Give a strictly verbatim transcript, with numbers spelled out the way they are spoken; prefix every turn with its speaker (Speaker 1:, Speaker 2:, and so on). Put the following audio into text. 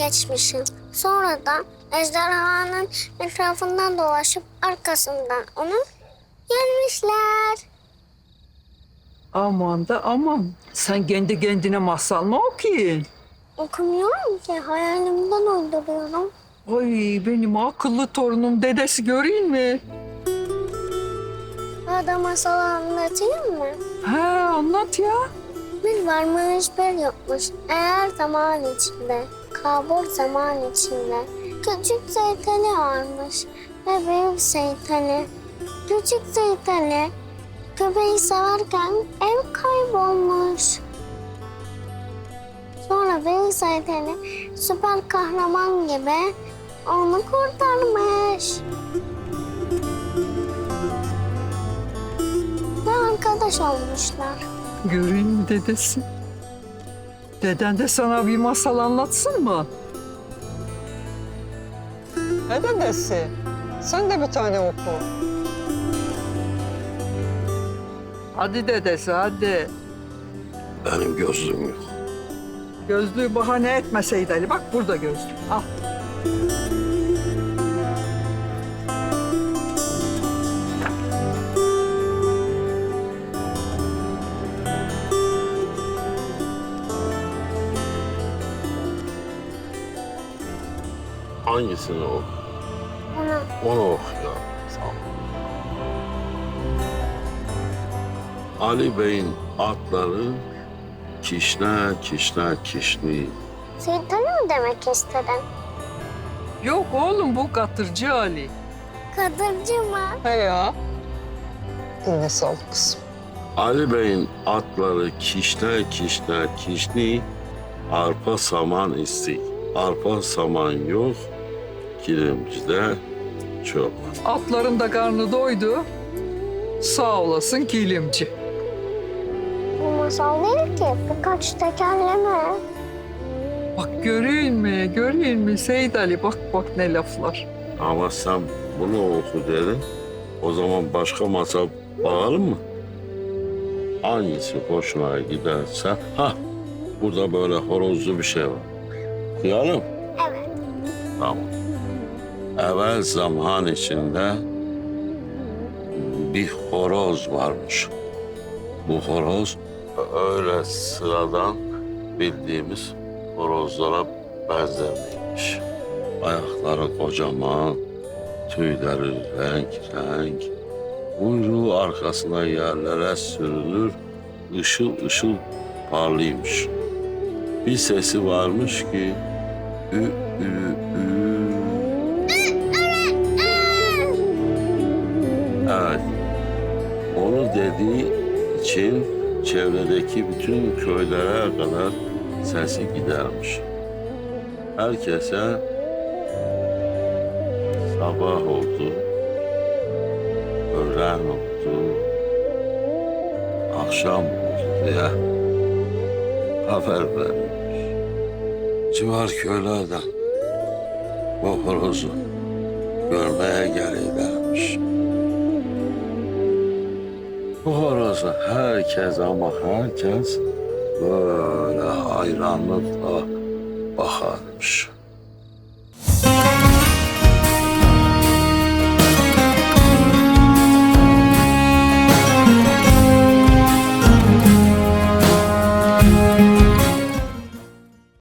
Speaker 1: geçmişim. Sonra da ejderhanın etrafından dolaşıp arkasından onu yenmişler.
Speaker 2: Aman da aman. Sen kendi kendine masal mı okuyun?
Speaker 1: Okumuyorum ki, hayalimden uyduruyorum.
Speaker 2: Ay benim akıllı torunum dedesi göreyim mi?
Speaker 1: Hadi masal anlatayım mı?
Speaker 2: He anlat ya.
Speaker 1: Bir varmış bir yokmuş. Eğer zaman içinde, kabul zaman içinde. Küçük Zeytali varmış ve büyük Zeytali. Küçük Zeytali köpeği severken ev kaybolmuş. Sonra büyük Zeytali süper kahraman gibi onu kurtarmış. Ve arkadaş olmuşlar.
Speaker 2: Göreyim mi dedesi? Deden de sana bir masal anlatsın mı?
Speaker 3: Ne dedesi? Sen de bir tane oku.
Speaker 2: Hadi dedesi hadi.
Speaker 4: Benim gözlüğüm yok.
Speaker 2: Gözlüğü bahane etmeseydi Ali. Bak burada gözlük. Al.
Speaker 4: Hangisini oku?
Speaker 1: Onu
Speaker 4: Onu oku ya. Sağ ol. Ali Bey'in atları kişne kişne kişni.
Speaker 1: Zeytali mi demek istedin?
Speaker 2: Yok oğlum bu katırcı Ali.
Speaker 1: Kadırcı mı?
Speaker 3: He ya. Eline sağlık kızım.
Speaker 4: Ali Bey'in atları kişne kişne kişni, arpa saman isti. Arpa saman yok, kilimcide çok.
Speaker 2: Atların da karnı doydu. Sağ olasın kilimci.
Speaker 1: Bu masal değil ki, birkaç tekerleme.
Speaker 2: Bak göreyim mi, göreyim mi Seyit Ali? Bak bak ne laflar.
Speaker 4: Ama sen bunu oku dedin. O zaman başka masal bakalım mı? Hangisi hoşuna giderse. Ha, burada böyle horozlu bir şey var. Okuyalım.
Speaker 1: Evet.
Speaker 4: Tamam. Evvel zaman içinde bir horoz varmış. Bu horoz öyle sıradan bildiğimiz horozlara benzemeymiş. Ayakları kocaman, tüyleri renk renk. Kuyruğu arkasına yerlere sürünür, ışıl ışıl parlıymış. Bir sesi varmış ki ü ü ü. Evet. Onu dediği için çevredeki bütün köylere kadar sesi gidermiş. Herkese sabah oldu, öğlen oldu, akşam oldu diye haber vermiş. Civar köylerden bu horozu görmeye gelirlermiş. Bu horozu herkes ama herkes böyle hayranlıkla bakarmış.